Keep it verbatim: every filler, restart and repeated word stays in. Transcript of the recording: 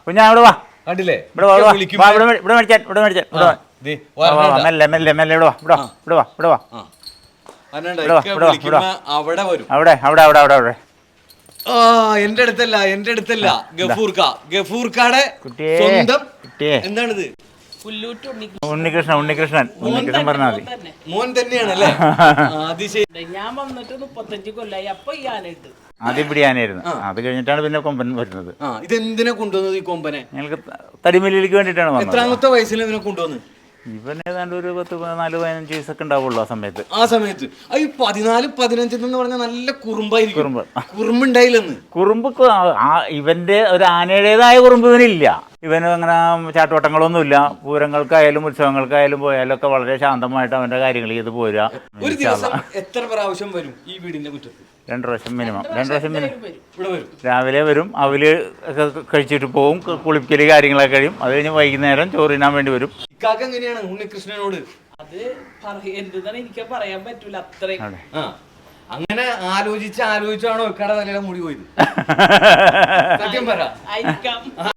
കുഞ്ഞാ ഇവിടെ വാ. കണ്ടില്ലേ ഇവിടെ വാ, ഇവിടെ വാ. ഇവിടെ ഇവിടെ മേടിച്ചാൻ ഇവിടെ മേടിച്ചാൻ ഇവിടെ വാ. മെല്ലെ മെല്ലെ മെല്ലെ ഇവിടെ വാ, ഇവിടെ വാ, ഇവിടെ വാ, ഇവിടെ വാ. അവിടെ വരും. അവിടെ അവിടെ അവിടെ അവിടെ അവിടെ ആ എന്റെ അടുത്തല്ല എന്റെ അടുത്തല്ല ഗഫൂർക്ക ഗഫൂർക്കാടെ സ്വന്തം എന്താണിത്? ഉണ്ണികൃഷ്ണൻ ഉണ്ണികൃഷ്ണൻ ഉണ്ണികൃഷ്ണൻ പറഞ്ഞാൽ മതി. മോൻ തന്നെയാണല്ലേ? ഞാൻ വന്നിട്ട് മുപ്പത്തഞ്ച് കൊല്ലായി. അപ്പൊ ഈ ആനയിട്ട് ആദ്യം പിടിയാനായിരുന്നു. അത് കഴിഞ്ഞിട്ടാണ് പിന്നെ കൊമ്പൻ വരുന്നത്. ഇതെന്തിനാ കൊണ്ടുവന്നത് ഈ കൊമ്പനെ? ഞങ്ങൾക്ക് തടിമല്ലിക്ക് വേണ്ടിയിട്ടാണ് വന്നത്. എത്രാമത്തെ വയസ്സിൽ ഇതിനെ കൊണ്ടുവന്ന്? ഇവൻ ഏതാണ്ട് ഒരു പത്ത് പതിനാല് പതിനഞ്ച് വയസ്സൊക്കെ ഉണ്ടാവുള്ളൂ ആ സമയത്ത്. ആ സമയത്ത് ഈ പതിനാല് പതിനഞ്ചെന്ന് പറഞ്ഞാൽ നല്ല കുറുമ്പായിരിക്കും. കുറുമ്പ് കുറുമ്പുണ്ടായില്ലെന്ന്. കുറുമ്പ് ഇവന്റെ ഒരു ആനയുടേതായ കുറുമ്പ് ഇവനില്ല. ഇവന് അങ്ങനെ ചാട്ടുവട്ടങ്ങളൊന്നുമില്ല. പൂരങ്ങൾക്കായാലും ഉത്സവങ്ങൾക്കായാലും പോയാലും ഒക്കെ വളരെ ശാന്തമായിട്ട് അവന്റെ കാര്യങ്ങൾ ചെയ്ത് പോരുക. ഒരു ദിവസം എത്ര പ്രാവശ്യം വരും ഈ വീടിന്റെ മുറ്റത്ത്? രണ്ട് പ്രാവശ്യം മിനിമം രണ്ട് പ്രാവശ്യം മിനിമം രാവിലെ വരും. അവല് ഒക്കെ കഴിച്ചിട്ട് പോകും. കുളിപ്പിക്കല് കാര്യങ്ങളൊക്കെ കഴിയും. അത് കഴിഞ്ഞ് വൈകുന്നേരം ചോറിനാൻ വേണ്ടി വരും. ഇക്കാക്ക എങ്ങനെയാണ് ഉണ്ണികൃഷ്ണനോട്? അത് എന്താണ് എനിക്ക് പറയാൻ പറ്റൂല. അത്രയും അങ്ങനെ ആലോചിച്ച് ആലോചിച്ചാണോ ഇക്കാടെ തലയിലെ മുടി പോയത്? സത്യം പറ.